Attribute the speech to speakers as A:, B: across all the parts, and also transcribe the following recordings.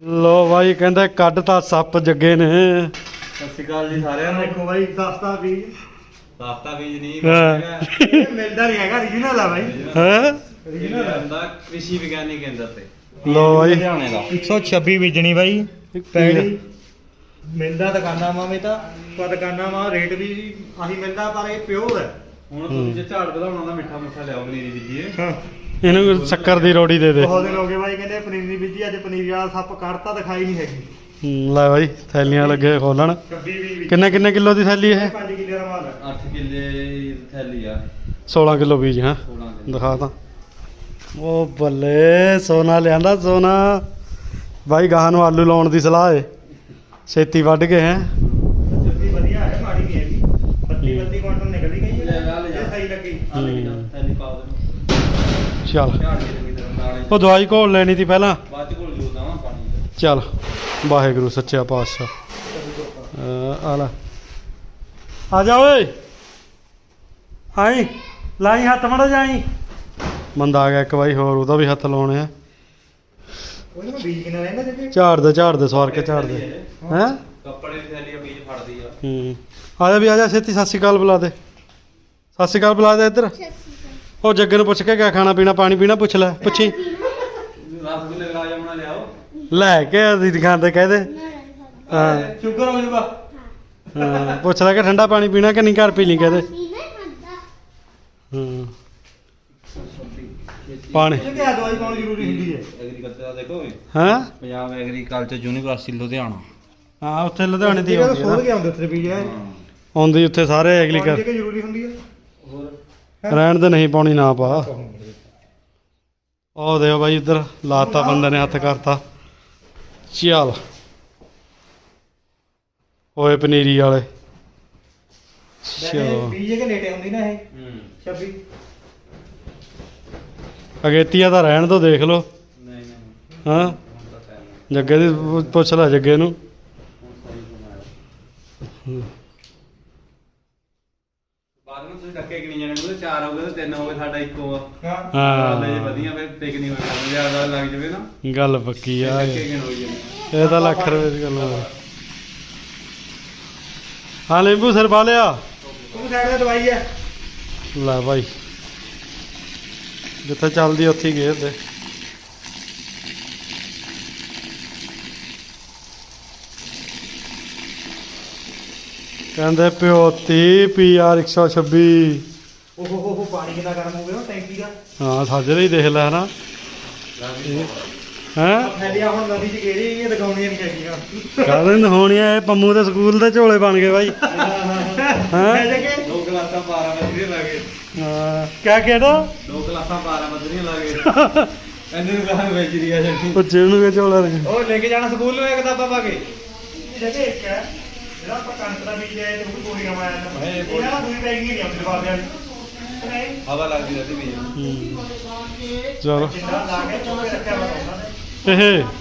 A: ਲੋ ਬਾਈ ਕਹਿੰਦੇ ਕੱਢਤਾ ਸੱਪ ਜੱਗੇ ਨੇ।
B: ਸਤਿ ਸ਼੍ਰੀ ਅਕਾਲ ਜੀ ਸਾਰਿਆਂ ਨੂੰ।
C: ਦੇਖੋ ਬਾਈ ਸਸਤਾ ਬੀਜ
B: ਨਹੀਂ
C: ਇਹ ਮਿਲਦਾ ਨਹੀਂ ਹੈਗਾ ਰੀਜਨਲ ਆ ਬਾਈ।
A: ਹੈ
B: ਰੀਜਨਲ ਹੁੰਦਾ ਕ੍ਰਿਸ਼ੀ ਵਿਗਿਆਨੀ ਕੇਂਦਰ ਤੇ
A: ਲੋ ਬਾਈ
B: ਲੁਧਿਆਣੇ ਦਾ
C: 126 ਬੀਜਣੀ ਬਾਈ ਪਹਿਲੀ ਮਿਲਦਾ ਦੁਕਾਨਾਂ ਮਾਵੇਂ ਤਾਂ ਪਰ ਦੁਕਾਨਾਂ ਮਾ ਰੇਟ ਵੀ ਆਹੀ ਮਿਲਦਾ ਪਰ ਇਹ ਪਿਓਰ ਹੈ।
B: ਹੁਣ ਤੁਸੀਂ ਜੇ ਝਾੜ ਵਧਾਉਣਾ ਦਾ ਮਿੱਠਾ ਲਿਆਓ ਪਨੀਰੀ ਬੀਜੀਏ।
C: ਹਾਂ
A: ਇਹਨੂੰ ਸ਼ੱਕਰ ਦੀ ਰੋੜੀ ਦੇ ਦੇ।
C: ਬਹੁਤ ਦਿਨ ਹੋ ਗਏ ਬਾਈ ਕਹਿੰਦੇ ਪਨੀਰੀ ਬੀਜੀ ਅੱਜ ਪਨੀਰੀ ਵਾਲਾ ਸੱਪ ਕੱਢਤਾ ਦਿਖਾਈ ਨਹੀਂ ਹੈਗੀ।
A: ਲੈ ਬਾਈ ਥੈਲੀਆਂ ਲੱਗੇ ਖੋਲਣ।
C: 26 ਵੀ
A: ਕਿੰਨੇ ਕਿਲੋ ਦੀ ਥੈਲੀ ਇਹ?
C: 5 ਕਿੱਲੇ ਦਾ ਮਾਲ ਹੈ।
B: 8 ਕਿੱਲੇ ਥੈਲੀ ਆ
A: 16 ਕਿਲੋ ਬੀਜ ਹਾਂ
B: 16 ਕਿੱਲੇ।
A: ਦਿਖਾ ਤਾਂ ਉਹ ਬੱਲੇ ਸੋਨਾ ਲਿਆਂਦਾ ਸੋਨਾ। ਬਾਈ ਗਾਹਾਂ ਨੂੰ ਆਲੂ ਲਾਉਣ ਦੀ ਸਲਾਹ ਏ ਛੇਤੀ ਵੱਢ ਕੇ ਹੈ।
C: ਜੱਗੀ ਵਧੀਆ ਹੈ ਮਾੜੀ ਨਹੀਂ ਹੈਗੀ 32 ਕੁਇੰਟਲ ਨਿਕਲ ਗਈ
B: ਲੈ ਜਾ, ਲੈ ਜਾ।
C: ਇਹ ਸਹੀ ਲੱਗੀ।
B: ਆ ਲੈ ਜਾ ਥੈਲੀ ਪਾ ਦੇ
A: ਚੱਲ
B: ਝਾੜ ਕੇ ਚੰਗੀ ਤਰ੍ਹਾਂ ਨਾਲੇ
A: ਉਹ ਦਵਾਈ ਘੋਲ ਲੈਣੀ ਤੀ ਪਹਿਲਾਂ।
B: ਬਾਅਦ ਚ ਘੋਲ ਜੂਦਾ ਵਾ ਪਾਣੀ ਚ।
A: ਚੱਲ ਵਾਹਿਗੁਰੂ ਸੱਚਾ ਪਾਤਸ਼ਾਹ। ਆ ਲੈ ਆ ਜਾ ਓਏ ਆਈ ਲਾਈ ਹੱਥ ਮੜਾ ਜਾਈ। ਬੰਦਾ ਆ ਗਿਆ ਇੱਕ ਵਾਰੀ ਹੋਰ ਉਹਦਾ ਵੀ ਹੱਥ ਲਾਉਣੇ ਆ।
C: ਉਹਨੂੰ ਬੀਜ ਕਿੰਨਾ ਰਹਿੰਦਾ ਜੱਗੀ?
A: ਝਾੜ ਦੇ ਸਵਾਰ ਕੇ ਝਾੜ ਦੇ ਹੈ।
B: ਕੱਪੜੇ ਦੀ ਥੈਲੀ ਆ ਬੀਜ ਫੜਦੀ ਆ।
A: ਆ ਜਾ ਵੀ ਆ ਜਾ ਛੇਤੀ ਸਤਿ ਸ਼੍ਰੀ ਅਕਾਲ ਬੁਲਾ ਦੇ। ਸਤਿ ਸ਼੍ਰੀ ਅਕਾਲ ਬੁਲਾ ਦੇ ਇੱਧਰ। ਉਹ ਜੱਗੇ ਨੂੰ ਪੁੱਛ ਕੇ ਕਿਆ ਖਾਣਾ ਪੀਣਾ ਪਾਣੀ ਪੀਣਾ ਪੁੱਛ ਲੈ ਪੁੱਛੀ।
B: ਰਸਗੁੱਲੇ ਗੁਲਾਬ ਜਾਮਣਾ ਲਿਆਓ।
A: ਲੈ ਕੇ ਅਸੀਂ ਦੁਕਾਨ ਤੇ ਕਹਿ ਦੇ। ਹਾਂ
C: ਸ਼ੂਗਰ ਹੋ ਜਾਊਗਾ।
A: ਹਾਂ ਪੁੱਛ ਲੈ ਕਿ ਠੰਡਾ ਪਾਣੀ ਪੀਣਾ ਕਿ ਨਹੀਂ ਘਰ ਪੀ ਲਈ ਕਹਦੇ। ਹਾਂ ਪਾਣੀ
C: ਇਹ ਕਿਹਾ ਦਵਾਈ ਪਾਉਣੀ ਜ਼ਰੂਰੀ ਹੁੰਦੀ ਹੈ।
B: ਐਗਰੀਕਲਚਰ ਦਾ ਦੇਖੋ
A: ਹਾਂ
B: ਪੰਜਾਬ ਐਗਰੀਕਲਚਰ ਯੂਨੀਵਰਸਿਟੀ ਲੁਧਿਆਣਾ।
A: ਹਾਂ ਉੱਥੇ ਲੁਧਿਆਣੇ ਦੀ
C: ਜਿਹੜਾ
A: ਆਉਂਦੀ ਹੈ
C: ਸੋਧ
A: ਨਾ।
C: ਕੇ ਆਉਂਦੇ ਉੱਥੇ ਬੀਜ ਹੈ।
A: ਆਉਂਦੀ ਉੱਥੇ ਸਾਰੇ
C: ਪਾਣੀ
A: ਐਗਰੀਕਲਚਰ
C: ਕਿ ਜ਼ਰੂਰੀ ਹੁੰਦੀ ਹੈ।
B: ਹੋਰ
A: ਰਹਿਣ ਦੇ ਨਹੀਂ ਪਾਉਣੀ ਨਾ ਪਾ। ਉਹ ਦੇਖੋ ਬਾਈ ਇੱਧਰ ਲਾਤਾ ਬੰਦੇ ਨੇ ਹੱਥ ਕਰਤਾ। ਚੱਲ ਓਏ ਪਨੀਰੀ ਵਾਲੇ ਚਲੋ
C: ਬੀਜ ਕੇ ਨੇੜੇ ਹੁੰਦੀ ਨਾ ਇਹ 26
A: ਅਗੇਤੀਆ ਤਾਂ ਰਹਿਣ ਤੋਂ ਦੇਖ ਲਓ।
B: ਨਹੀਂ ਨਹੀਂ
A: ਹਾਂ ਜੱਗੇ ਦੀ ਪੁੱਛ ਲੈ ਜੱਗੇ ਨੂੰ।
B: ਬਾਅਦ ਵਿੱਚ ਤੁਸੀਂ ਡੱਕੇ ਕਿੰਨੀ ਜਾਣੇ ਉਹਦੇ 4 ਹੋ ਗਏ ਤੇ 3 ਹੋ ਗਏ ਸਾਡਾ ਇੱਕੋ ਆ।
C: ਹਾਂ
A: ਹਾਂ
B: ਲੈ ਵਧੀਆ ਫਿਰ ਟਿਕ ਨਹੀਂ ਹੋਇਆ ਜ਼ਿਆਦਾ ਲੱਗ ਜਵੇ ਨਾ
A: ਗੱਲ ਪੱਕੀ ਆ
B: ਡੱਕੇ ਕਿਨ ਹੋਈ ਜਾਂਦੇ।
A: ਇਹ ਤਾਂ ਲੱਖ ਰੁਪਏ ਦੀ ਗੱਲ ਆ। ਹਾਂ ਨਿੰਬੂ ਸਿਰ ਪਾ ਲਿਆ।
C: ਤੂੰ ਸਾਈਡ ਤੇ ਦਵਾਈ ਹੈ।
A: ਲੈ ਭਾਈ ਜਿੱਥੇ ਚੱਲਦੀ ਉੱਥੇ ਹੀ ਗੇਰ ਦੇ। ਕਹਿੰਦੇ ਪਿਓਤੀ PR 126।
C: ਓਹ ਪਾਣੀ ਕਿੰਨਾ ਗਰਮ ਹੋ ਗਿਆ ਟੈਂਕੀ ਦਾ।
A: ਹਾਂ ਸਾਜਰੇ ਹੀ ਦੇਖ ਲੈ ਨਾ ਹੈਂ।
C: ਥੈਲੀਆਂ ਹੁਣ ਨਦੀ ਚ ਗੇੜੀ ਇਹ ਦਿਖਾਉਣੀਆਂ ਨਹੀਂ ਹੈਗੀਆਂ।
A: ਕਾਹਦੇ ਨਹਾਉਣੀਆਂ ਇਹ ਪੰਮੂ ਦੇ ਸਕੂਲ ਦੇ ਝੋਲੇ ਬਣ ਗਏ ਬਾਈ।
C: ਹੈ ਜਗੇ
B: 2 ਕਲਾਸਾਂ 12 ਮਧਰੀਆਂ ਲਾਗੇ।
A: ਹਾਂ ਕਿਆ ਕਿਹੜਾ
B: 2 ਕਲਾਸਾਂ 12 ਮਧਰੀਆਂ ਲਾਗੇ। ਇੰਨੇ ਨੂੰ ਕਹਾਂ ਵੇਚ ਰਹੀ ਆ ਜੱਟੀ।
A: ਪੁੱਛੇ ਉਹਨੂੰ ਕਿ ਝੋਲਾ ਨੇ।
B: ਉਹ ਲੈ ਕੇ ਜਾਣਾ ਸਕੂਲ ਨੂੰ ਇਹ ਕਿਤਾਬਾਂ ਪਾ ਕੇ।
C: ਜਗੇ ਇੱਕ ਹੈ ਜਿਹੜਾ ਆਪਾਂ ਕਣਕ ਦਾ ਬੀਜ ਹੈ ਤੇ ਉਹ ਵੀ ਗੋਲੀ ਨਵਾਂ ਆਇਆ
B: ਇਹ
C: ਇਹਨਾਂ ਦਾ ਦੂਈ ਪੈਕਿੰਗ ਨਹੀਂ ਆਉਂਦੀ ਬਾਬੇ ਵਾਲੀ। ਨਹੀਂ
B: ਹਵਾ ਲੱਗਦੀ ਰਹਿੰਦੀ ਵੀ।
A: ਚਲੋ
C: ਜਿੰਨਾ ਲਾ ਕੇ ਚੁੱਕ ਕੇ ਰੱਖਿਆ ਵਾ ਉਹਨਾਂ ਨੇ।
A: ਇਹ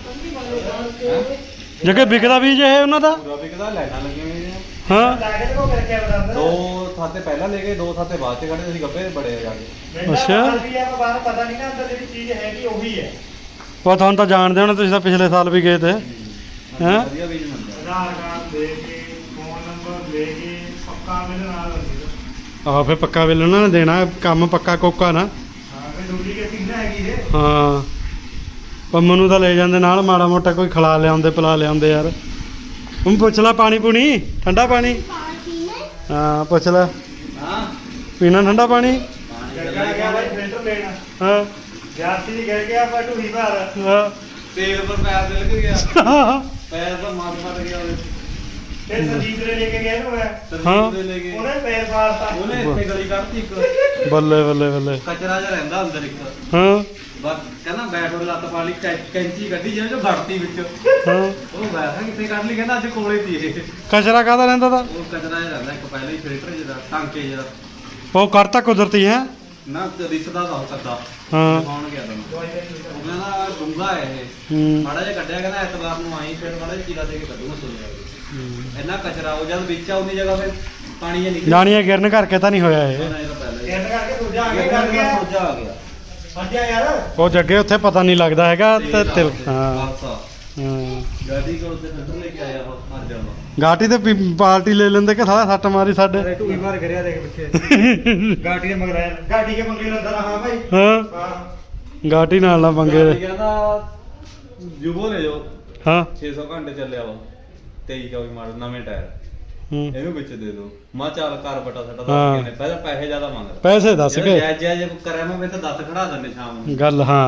A: ਜੱਗੇ ਵਿਕਦਾ ਬੀਜ ਇਹ ਉਹਨਾਂ ਦਾ।
B: ਪੂਰਾ ਵਿਕਦਾ ਲੈਣਾ ਲੱਗੀਆਂ ਹੋਈਆਂ।
A: ਹਾਂ
C: ਲਾ ਕੇ ਤੇ ਕੋ ਰੱਖਿਆ ਵਾ ਅੰਦਰ।
B: 2 ਥਾਤੇ ਪਹਿਲਾਂ ਲੈ ਗਏ 2 ਥਾਤੇ ਬਾਅਦ ਚ ਕੱਢੇ ਅਸੀਂ ਗੱਬੇ ਬੜੇ ਜਾ ਕੇ।
C: ਮੈਨੂੰ
A: ਅੱਛਾ।
C: ਵੀ ਆ ਬਾਹਰ ਪਤਾ ਨਹੀਂ ਨਾ ਅੰਦਰ ਜਿਹੜੀ ਚੀਜ਼ ਹੈਗੀ ਉਹੀ ਹੈ।
A: ਉਹ ਤੁਹਾਨੂੰ ਤਾਂ ਜਾਣਦੇ ਹੋਣੇ ਤੁਸੀਂ ਤਾਂ ਪਿਛਲੇ ਸਾਲ ਵੀ ਗਏ ਤੇ। ਹੈਂ?
B: ਵਧੀਆ ਬੀਜ ਮਿਲਦਾ।
C: ਆਧਾਰ ਕਾਰਡ ਦੇ ਕੇ ਫੋਨ ਨੰਬਰ ਦੇ ਕੇ ਪੱਕਾ ਮੇਰੇ ਨਾਲ ਹੁੰਦੀ
A: ਆਹ ਫੇ ਪੱਕਾ ਬਿੱਲ ਉਹਨਾਂ ਨੇ ਦੇਣਾ ਕੰਮ ਪੱਕਾ ਕੋਕਾ ਨਾ।
C: ਹਾਂ ਫਿਰ ਡਿਊਟੀ ਕੇ ਕਿੰਨਾ ਹੈਗੀ ਇਹ।
A: ਹਾਂ ਪੰਮੂ ਨੂੰ ਤਾਂ ਲੈ ਜਾਂਦੇ ਨਾਲ ਮਾੜਾ ਮੋਟਾ ਕੋਈ ਖਿਲਾ ਲਿਆਉਂਦੇ ਪਿਲਾ ਲਿਆਉਂਦੇ ਯਾਰ। ਤੂੰ ਪੁੱਛ ਲੈ ਪਾਣੀ ਪੂਣੀ ਠੰਡਾ ਪਾਣੀ। ਹਾਂ ਪੁੱਛ ਲੈ
B: ਹਾਂ
A: ਪੀਣਾ ਠੰਡਾ ਪਾਣੀ।
C: ਜੱਗਾ ਗਿਆ ਬਾਈ ਫਿਲਟਰ ਲੈਣਾ
A: ਹਾਂ
C: ਜਾਸੀ ਦੀ ਕਹਿ ਗਿਆ ਪਰ ਢੂਹੀ ਭਾਰ
A: ਹਾਂ
B: ਤੇਲ ਪਰ ਪੈਰ ਦੇ ਲੱਗ ਗਿਆ। ਪੈਰ ਤਾਂ ਮਾਰ ਮਾਰ ਗਿਆ ਉਹਦੇ।
C: ਤੇ ਸੰਜੀਤ ਨੇ ਲੈ ਕੇ ਗਿਆ ਇਹਨੂੰ ਮੈਂ
B: ਸਰਜੀਤ ਦੇ ਲੈ ਗਏ।
C: ਉਹਨੇ ਪੈਰ ਮਾਰਤਾ।
B: ਉਹਨੇ ਇੱਥੇ ਗਲੀ ਕੱਢਤੀ ਇੱਕ।
A: ਬੱਲੇ ਬੱਲੇ ਬੱਲੇ।
B: ਕਚਰਾ ਜਿਹਾ ਰਹਿੰਦਾ ਅੰਦਰ ਇੱਕ।
A: ਹਾਂ
B: ਬਸ ਕਹਿੰਦਾ ਬੈਟ ਉਹ ਲੱਤ ਪਾ ਲਈ ਕੈਂਚੀ ਕੱਢੀ ਜਿਹਨੇ ਜੋ ਵੜਤੀ ਵਿੱਚ।
A: ਹਾਂ
B: ਉਹ ਬੈਠਾ ਕਿੱਥੇ ਕੱਢ ਲਈ ਕਹਿੰਦਾ ਅੱਜ ਕੋਲੇ ਤੀ ਇਹ।
A: ਕਚਰਾ ਕਾਹਦਾ ਰਹਿੰਦਾ ਤਾ।
B: ਉਹ ਕਚਰਾ ਜਿਹਾ ਰਹਿੰਦਾ ਇੱਕ ਪਹਿਲਾਂ ਹੀ ਫਿਲਟਰ ਜਿਹੜਾ ਟਾਂਕੇ ਜਿਹੜਾ।
A: ਉਹ ਕਰਤਾ ਕੁਦਰਤੀ ਹੈ।
B: ਨਾ ਦਿਸਦਾ ਤਾਂ ਉਹ ਕੱਦਾ।
A: ਹਾਂ
B: ਦਿਖਾਉਣ ਗਿਆ ਤੁਹਾਨੂੰ। ਉਹ ਕਹਿੰਦਾ ਡੂੰਗਾ ਹੈ ਇਹ।
A: ਹੂੰ
B: ਮਾੜਾ ਜਿਹਾ ਕੱਢਿਆ ਕਹਿੰਦਾ ਐਤਵਾਰ ਨੂੰ ਆਈ ਫਿਰ ਮਾੜਾ ਜਿਹਾ ਚੀਰਾ ਦੇ ਕੇ ਕੱਢੂਗਾ ਸੁਣਿਆ। ਇੰਨਾ ਕਚਰਾ ਉਹ ਜਦ ਵਿੱਚ ਆ ਉਨੀ ਜਗ੍ਹਾ ਫਿਰ ਪਾਣੀ ਜਿਹਾ ਨਿਕਲ
A: ਜਾਣੀਆਂ ਗਿਰਨ ਕਰਕੇ ਤਾਂ ਨਹੀਂ ਹੋਇਆ ਇਹ।
B: ਪਹਿਲਾਂ ਹੀ।
C: ਕਹਿੰਦਾ ਕਰਕੇ ਦੂਜਾ ਆ
B: ਇਹ
C: ਕੇ ਕਰ ਗਿਆ
B: ਸੋਜਾ ਆ ਗਿਆ।
C: ਸਮਝਿਆ ਯਾਰ।
A: ਉਹ ਜੱਗੇ ਉੱਥੇ ਪਤਾ ਨਹੀਂ ਲੱਗਦਾ ਹੈਗਾ ਤੇ ਤਿਲ ਹਾਂ
B: ਬਸ
A: ਹਾਂ
B: ਗਾਡੀ ਕੋਲ ਤੇ ਫਿਲਟਰ ਲੈ ਕੇ ਆਇਆ ਉਹ ਮਰ ਜਾਂਦਾ
A: ਗਾਟੀ ਤੇ ਪਾਰਟੀ ਲੈ ਲੈਂਦੇ ਕਿ ਸਾਲਾ ਸੱਟ ਮਾਰੀ ਸਾਡੇ
C: ਅਰੇ ਤੂੰ ਹੀ ਮਾਰ ਕਰਿਆ ਦੇਖ ਪਿੱਛੇ ਗਾਟੀ ਦੇ ਮਗਰ ਆਇਆ ਗਾਟੀ ਕੇ ਮੰਗੇ ਲੰਦਾ ਹਾਂ ਭਾਈ
A: ਹਾਂ
C: ਹਾਂ
A: ਗਾਟੀ ਨਾਲ ਨਾ ਪੰਗੇ
B: ਗਾਡੀ
A: ਦੇ।
B: ਕਹਿੰਦਾ ਜੁਬੋ ਲੈ ਜਾਓ
A: ਹਾਂ
B: 600 ਘੰਟੇ ਚੱਲਿਆ ਵਾ 23 24 ਮਾਡਲ ਨਵੇਂ ਟਾਇਰ
A: ਹੂੰ
B: ਇਹਨੂੰ ਵਿੱਚ ਦੇ ਦਿਓ ਮੈਂ ਕਿਹਾ ਚੱਲ ਘਰ ਬਟਾ ਸਾਡਾ
A: ਹਾਂ।
B: ਦੱਸ ਕਿੰਨੇ ਪਹਿਲਾਂ ਪੈਸੇ ਜ਼ਿਆਦਾ ਮੰਗਦਾ
A: ਪੈਸੇ ਦੱਸ ਕੇ
B: ਜੇ ਕਰਿਆ ਮੈਂ ਤਾਂ 10 ਖੜਾ ਦਿੰਦੇ ਸ਼ਾਮ ਨੂੰ
A: ਗੱਲ ਹਾਂ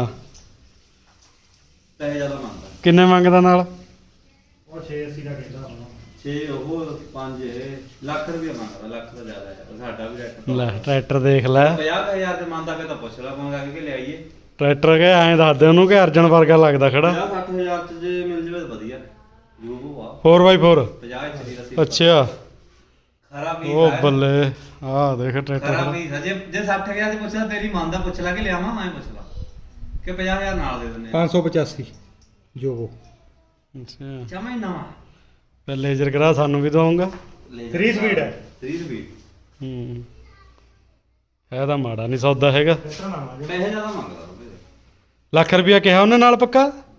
B: ਪੈਸੇ ਜ਼ਿਆਦਾ ਮੰਗਦਾ
A: ਕਿੰਨੇ ਮੰਗਦਾ ਨਾਲ
C: ਉਹ 680 ਦਾ ਕਹਿੰਦਾ ਹੁਣ
B: 6 ਉਹ 5 ਲੱਖ ਰੁਪਏ ਮੰਗਦਾ ਲੱਖ ਤੋਂ ਜ਼ਿਆਦਾ ਹੈ ਸਾਡਾ ਵੀ ਰੇਟ
A: ਲੈ ਟਰੈਕਟਰ ਦੇਖ ਲੈ
B: 50000 ਤੇ ਮੰਨਦਾ ਫਿਰ ਤਾਂ ਪੁੱਛ ਲਾ ਮੰਗਾ ਕੇ ਲਿਆਈਏ
A: ਟਰੈਕਟਰ ਕੇ ਐਂ ਦੱਸ ਦੇ ਉਹਨੂੰ ਕਿ ਅਰਜਨ ਵਰਗਾ ਲੱਗਦਾ ਖੜਾ
B: 50-60000 ਚ ਜੇ ਮਿਲ ਜਵੇ ਤਾਂ ਵਧੀਆ ਯੂਬੋ ਆ
A: 4x4
B: 50 ਇੰਚ ਦੀ ਰੱਸੀ
A: ਅੱਛਾ
B: ਖਰਾ ਵੀ
A: ਉਹ ਬੱਲੇ ਆਹ ਦੇਖ
B: ਖਰਾ
A: ਟਰੈਕਟਰ
B: ਵੀ ਜੇ 60000 ਦੀ ਪੁੱਛਦਾ ਤੇਰੀ ਮੰਨਦਾ ਪੁੱਛ ਲਾ ਕਿ ਲਿਆਵਾਂ ਮੈਂ ਪੁੱਛ ਲਾ ਕਿ 50000 ਨਾਲ ਦੇ ਦਿੰਦੇ ਆ
C: 585 ਜੋ ਉਹ
A: ਅੱਛਾ
B: ਜਮਾ ਹੀ ਨਵਾਂ
A: ਫਿਰ ਲੇਜ਼ਰ ਕਰਾ ਸਾਨੂੰ ਵੀ ਦਵਾਉਂਗਾ
C: 3 ਸਪੀਡ ਹੈ
B: 3 ਸਪੀਡ
A: ਹੂੰ ਇਹ ਤਾਂ ਮਾੜਾ ਨਹੀਂ ਸੌਦਾ ਹੈਗਾ
C: ਟਰੈਕਟਰ ਨਾ ਮਾਰ
B: ਪੈਸੇ ਜ਼ਿਆਦਾ ਮੰਗਦਾ ਉਹਦੇ
A: ਲੱਖ ਰੁਪਇਆ ਕਿਹਾ ਉਹਨੇ ਨਾਲ ਪੱਕਾ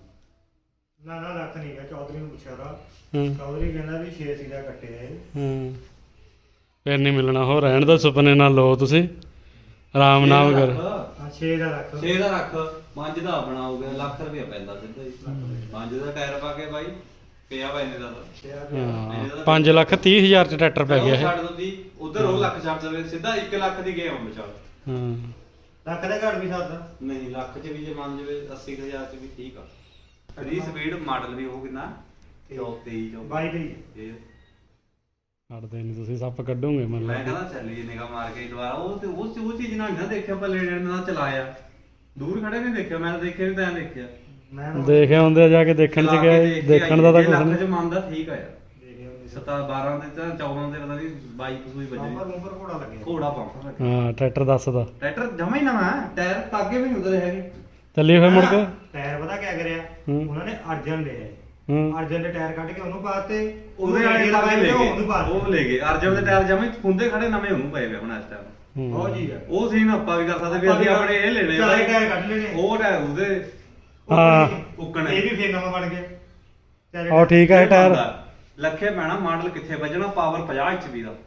C: ਨਾ ਨਾ ਲੱਖ ਨਹੀਂ ਹੈ ਚੌਧਰੀ ਨੂੰ ਪੁੱਛਿਆ ਦਾ
A: ਹਾਂ
C: ਚੌਧਰੀ ਕਹਿੰਦਾ ਵੀ 680 ਦਾ ਕੱਟਿਆ ਇਹ
A: ਹਾਂ ਫਿਰ ਨਹੀਂ ਮਿਲਣਾ ਹੋ ਰਹਿਣ ਦਾ ਸੁਪਨੇ ਨਾਲ ਲਓ ਤੁਸੀਂ ਆਰਾਮ ਨਾਲ ਕਰ
C: ਹਾਂ 6 ਦਾ ਲੱਖ
B: 6 ਦਾ ਰੱਖ 5 ਦਾ ਬਣਾਓਗੇ ਲੱਖ ਰੁਪਏ ਪੈਂਦਾ ਸਿੱਧਾ ਹੀ 5 ਦਾ ਟਾਇਰ ਪਾ ਕੇ ਬਾਈ ਪਿਆ ਵਾ ਇਹਨੇ ਦਾ
A: ਹਾਂ 5 ਲੱਖ 30 ਹਜ਼ਾਰ ਚ ਟਰੈਕਟਰ ਪੈ ਗਿਆ ਇਹ
B: ਛੱਡ ਦਿੰਦੀ ਉਧਰ ਉਹ ਲੱਖ ਛੱਡ ਦੇਵੇ ਸਿੱਧਾ 1 ਲੱਖ ਦੀ ਗੇਮ ਵਿਚਾਰ
A: ਹਾਂ
C: ਲੱਖ ਦੇ ਘੱਟ ਵੀ ਸਕਦਾ
B: ਨਹੀਂ ਲੱਖ ਚ ਵੀ ਜੇ ਮੰਨ ਜਵੇ 80000 ਚ ਵੀ ਠੀਕ ਆ 3 ਸਪੀਡ ਮਾਡਲ ਵੀ ਉਹ ਕਿੰਨਾ 23
C: 22 ਦੀ
B: ਇਹ
A: ਛੱਡਦੇ ਨਹੀਂ ਤੁਸੀਂ ਸੱਪ ਕੱਢੋਗੇ ਮੰਨ
B: ਮੈਂ
A: ਲਾ
B: ਕਹਿੰਦਾ ਚੱਲੀਏ ਨਿਗਾ ਮਾਰ ਕੇ ਦੁਬਾਰਾ ਉਹ ਤੇ ਉਹ ਚੀਜ਼ ਨਾਲ ਨਾ ਦੇਖਿਆ ਆਪਾਂ ਲੈਣੇ ਨਾਲ ਚਲਾਇਆ ਦੂਰ ਖੜੇ ਨਹੀਂ ਦੇਖਿਆ ਮੈਂ ਤਾਂ ਦੇਖਿਆ ਵੀ ਤਾਂ ਦੇਖਿਆ
C: ਮੈਂ
A: ਦੇਖੇ ਹੁੰਦੇ ਆ ਜਾ ਕੇ ਦੇਖਣ ਚ
B: ਚਲਾ ਕੇ
A: ਗਿਆ
B: ਦੇਖ ਕੇ
A: ਦੇਖਣ ਦਾ ਤਾਂ
B: ਜੇ
A: ਕੁਝ
B: ਲੱਖ
A: ਨਹੀਂ
B: ਚ ਮੰਨਦਾ ਠੀਕ ਆ ਯਾਰ
C: ਦੇਖਿਆ
B: 12 ਦੇ ਤਾਂ 14 ਦੇ ਪਤਾ ਨਹੀਂ 22 ਕੋਈ
C: ਨੰਬਰ
B: ਵੱਜੇ
C: ਨੰਬਰ ਘੋੜਾ ਲੱਗਿਆ
B: ਘੋੜਾ ਪੰਪ
A: ਹਾਂ ਟਰੈਕਟਰ ਦੱਸਦਾ
B: ਟਰੈਕਟਰ ਜਮਾ ਹੀ ਨਵਾਂ ਹੈ ਟਾਇਰ ਤਾਗੇ ਵੀ ਨਹੀਂ ਉਤਰੇ ਹੈਗੇ
A: ਚੱਲੀਏ ਫਿਰ ਮੁੜ ਕੇ
C: ਟਾਇਰ ਪਤਾ ਕਿਆ ਕਰਿਆ
A: ਹੂੰ।
C: ਉਹਨਾਂ ਨੇ ਅਰਜਨ ਲਿਆ
A: ਹਾਂ
C: ਅਰਜਨ ਦੇ ਟਾਇਰ ਕੱਢ ਕੇ ਉਹਨੂੰ ਪਾਤੇ
B: ਉਹਦੇ ਵਾਲੇ ਲਗਾਏ ਲੈ
C: ਉਹਨੂੰ
B: ਗਏ
C: ਪਾ
B: ਉਹ ਲੈ ਗਏ ਅਰਜਨ ਦੇ ਟਾਇਰ ਜਮਾ ਹੀ ਖੁੰਦੇ ਖੜੇ ਨਵੇਂ ਉਹਨੂੰ ਪਏ ਵੇ ਹੁਣ ਇਸ ਟਾਈਮ
C: ਉਹ ਜੀ ਆ
B: ਉਹ ਸੀਨ ਆਪਾਂ ਵੀ ਕਰ ਸਕਦੇ ਵੀ ਅਸੀਂ ਆਪਣੇ ਇਹ ਲੈਣੇ
C: ਚਲੇ ਟਾਇਰ ਕੱਢ ਲੈਣੇ
B: ਉਹ ਟਾਇਰ ਉਹਦੇ
A: ਹਾਂ।
B: ਉੱਕਣੇ
C: ਇਹ ਵੀ ਫੇਰ ਨਵਾਂ ਬਣ ਗਿਆ ਚਾਰੇ
A: ਉਹ ਠੀਕ ਹੈ ਟਾਇਰ
B: ਲੱਖੇ ਪੈਣਾ ਮਾਡਲ ਕਿੱਥੇ ਵੱਜਣਾ ਪਾਵਰ 50 HP ਦਾ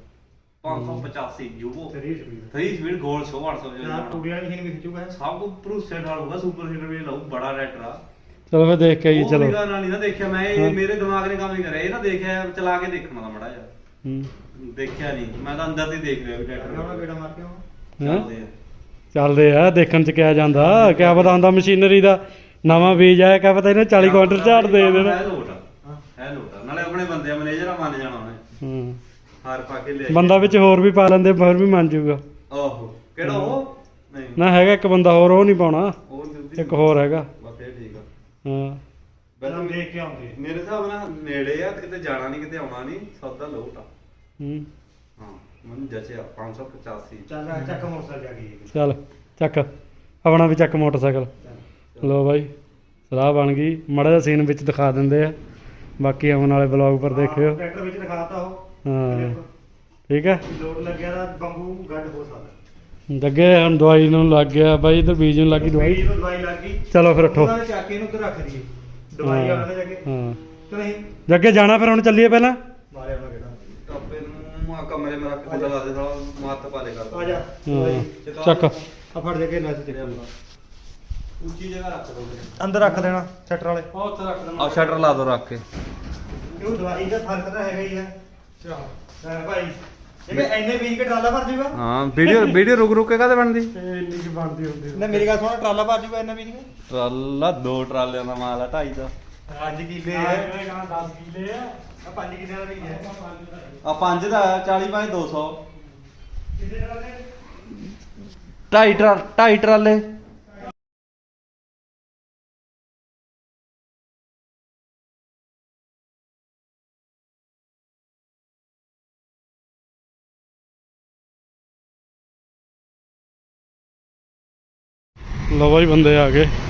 B: 585 ਯੂਵੋ
C: 3 ਸਪੀਡ
B: 3 ਸਪੀਡ ਗੋਲ 800
C: ਯਾਰ ਟੂੜੀ ਵਾਲੀ ਮਸ਼ੀਨ ਵੀ ਖਿੱਚੂਗਾ
B: ਸਭ ਕੁ ਭਰੂਸੇ ਨਾਲ ਹੋਊਗਾ ਸੁਪਰ ਹੀਟਰ ਵੀ ਲਾਊ ਬੜਾ ਰੈਟਰ ਆ
A: ਚਲੋ ਫਿਰ ਦੇਖ ਕੇ ਆਈਏ
B: ਉਹ
A: ਚਲੋ
B: ਨਿਗਾਹ ਨਾਲ ਨਹੀਂ ਨਾ ਦੇਖਿਆ ਮੈਂ ਇਹ ਮੇਰੇ ਦਿਮਾਗ ਨੇ ਕੰਮ ਨਹੀਂ ਕਰਿਆ ਇਹ ਨਾ ਦੇਖਿਆ ਚਲਾ ਕੇ ਦੇਖਣਾ ਦਾ ਮੜਾ ਜਾ
A: ਹੂੰ
B: ਦੇਖਿਆ ਨਹੀਂ ਮੈਂ ਤਾਂ ਅੰਦਰ ਦੀ ਦੇਖ ਰਿਹਾ ਵੀ
C: ਉਹਨਾਂ
B: ਟਰੈਕਟਰ
C: ਬੇੜਾ ਮਾਰ ਕੇ ਆਉਣਾ
B: ਚੱਲਦੇ ਆ
A: ਚੱਲਦੇ ਆ ਦੇਖਣ ਚ ਕਿਆ ਜਾਂਦਾ ਕਿਆ ਪਤਾ ਹੁੰਦਾ ਮਸ਼ੀਨਰੀ ਦਾ ਨਵਾਂ ਬੀਜ ਆਇਆ ਕਿਆ ਪਤਾ ਇਹਨੇ 40 ਕੁਆਂਟਲ ਝਾੜ ਦੇ ਦੇਣਾ
B: ਹੈ ਲੋਟ ਹੈ ਲੋਟ ਨਾਲੇ ਆਪਣੇ ਬੰਦੇ ਮੈਨੇਜਰ ਆ ਮੰਨ ਜਾਣਾ ਉਹਨੇ
A: ਹੂੰ
B: ਹਾਰ ਪਾ ਕੇ ਲੈ
A: ਬੰਦਾ ਵਿੱਚ ਹੋਰ ਵੀ ਪਾ ਲੈਂਦੇ ਹੋਰ ਵੀ ਮੰਨ ਜਾਊਗਾ
B: ਆਹੋ ਕਿਹੜਾ ਉਹ ਨਹੀਂ
A: ਨਾ ਹੈਗਾ ਇੱਕ ਬੰਦਾ ਹੋਰ ਉਹ ਨਹੀਂ ਪਾਉਣਾ
B: ਉਹ ਜਲਦੀ
A: ਇੱਕ ਹੋਰ ਹੈਗਾ
B: ਬਸ ਇਹ ਠੀਕ ਆ
A: ਹਾਂ
C: ਪਹਿਲਾਂ ਦੇਖ ਕੇ ਆਉਂਦੇ
B: ਮੇਰੇ ਹਿਸਾਬ ਨਾਲ ਨੇੜੇ ਆ ਤੇ ਕਿਤੇ ਜਾਣਾ ਨਹੀਂ ਕਿਤੇ ਆਉਣਾ ਨਹੀਂ ਸੌਦਾ ਲੋਟ ਆ
A: ਹੂੰ
B: ਹਾਂ ਮੈਨੂੰ ਜਚਿਆ 585
C: ਚੱਲ ਚੱਕ ਮੋਟਰਸਾਈਕਲ ਜਾ ਕੇ
A: ਚੱਲ ਚੱਕ ਆਪਣਾ ਵੀ ਚੱਕ ਮੋਟਰਸਾਈਕਲ ਲੋ ਬਾਈ ਸਲਾਹ ਬਣ ਗਈ ਮਾੜਾ ਜਿਹਾ ਸੀਨ ਵਿੱਚ ਦਿਖਾ ਦਿੰਦੇ ਆ ਬਾਕੀ ਆਉਣ ਵਾਲੇ ਬਲੌਗ ਪਰ ਦੇਖਿਓ
C: ਟਰੈਕਟਰ ਵਿੱਚ ਦਿਖਾਤਾ ਉਹ
A: ਹਾਂ ਠੀਕ ਹੈ
C: ਲੋਡ ਲੱਗਿਆ ਤਾਂ ਬੰਬੂ ਗੱਡ ਹੋ ਸਕਦਾ
A: ਜੱਗੇ ਹੁਣ ਦਵਾਈ ਨੂੰ ਲੱਗ ਗਿਆ ਬਾਈ ਇਧਰ ਬੀਜ ਨੂੰ ਲੱਗੀ ਦਵਾਈ
C: ਨੂੰ ਦਵਾਈ ਲੱਗ ਗਈ
A: ਚਲੋ ਫਿਰ ਉੱਠੋ
C: ਉਹਨਾਂ ਨੇ ਚੱਕ ਕੇ ਇਹਨੂੰ ਉੱਧਰ ਰੱਖ ਦਈਏ ਦਵਾਈ ਉਹਨਾਂ ਨੇ ਜਾ ਕੇ
A: ਹਾਂ
C: ਕਿ ਨਹੀਂ
A: ਜੱਗੇ ਜਾਣਾ ਫਿਰ ਹੁਣ ਚੱਲੀਏ ਪਹਿਲਾਂ
C: ਮਾਰਿਆ ਉਹਨਾਂ ਕਿਹੜਾ
B: ਟੱਪੇ ਨੂੰ ਆ ਕਮਰੇ ਮੇਂ ਰੱਖ ਕੇ ਲਾ ਦੇ ਸਾਲਾ ਮਾਤ ਪਾਲੇ
C: ਆ
B: ਕਰਦਾ
C: ਜਾ
A: ਹਾਂ ਚੱਕ
C: ਆ ਫੜ ਦੇ ਕੇ ਲੈ ਤੇ
B: ਉੱਚੀ ਜਗ੍ਹਾ ਰੱਖ ਦੋ
C: ਅੰਦਰ ਰੱਖ ਦੇਣਾ ਸ਼ਟਰ ਵਾਲੇ
A: ਉਹ ਉੱਥੇ ਰੱਖ ਦੇਣਾ
B: ਆ ਸ਼ਟਰ ਲਾ ਦੋ ਰੱਖ ਕੇ
C: ਇਹ ਦਵਾਈ ਦਾ ਫਰਕ ਤਾਂ ਹੈਗਾ ਹੀ ਹੈ ਚਲ ਭਾਈ ਇਹ ਐਨੇ ਬੀਜ ਕੇ ਟਰਾਲਾ ਭਰ ਜੂਗਾ
B: ਹਾਂ ਵੀਡੀਓ ਰੁਕ ਕੇ ਕਾਹਦੇ ਬਣਦੀ
A: ਤੇ ਇੰਨੀ ਕੀ ਬਣਦੀ ਹੁੰਦੀ
C: ਨਾ ਮੇਰੀ ਗੱਲ ਸੁਣ ਟਰਾਲਾ ਭਰ ਜੂਗਾ ਇੰਨਾ ਬੀਜ ਕੇ
B: ਟਰਾਲਾ 2 ਟਰਾਲਿਆਂ ਦਾ ਮਾਲ ਆ 2.5 ਦਾ
C: 5 ਕਿੱਲੇ
A: ਇਹ
C: ਹੈ
A: ਕਹਾਂ 10 ਕਿਲੇ ਆ
C: ਆ 5 ਕਿੱਲੇ ਦਾ ਬੀਜ ਹੈ
B: ਆ 5 ਦਾ 40 ਬਾਈ 200
C: ਕਿੱਲੇ ਟਰਾਲੇ
B: 2.5 ਟਰਾਲੇ
A: ਲਓ ਬਾਈ ਬੰਦੇ ਆ ਗਏ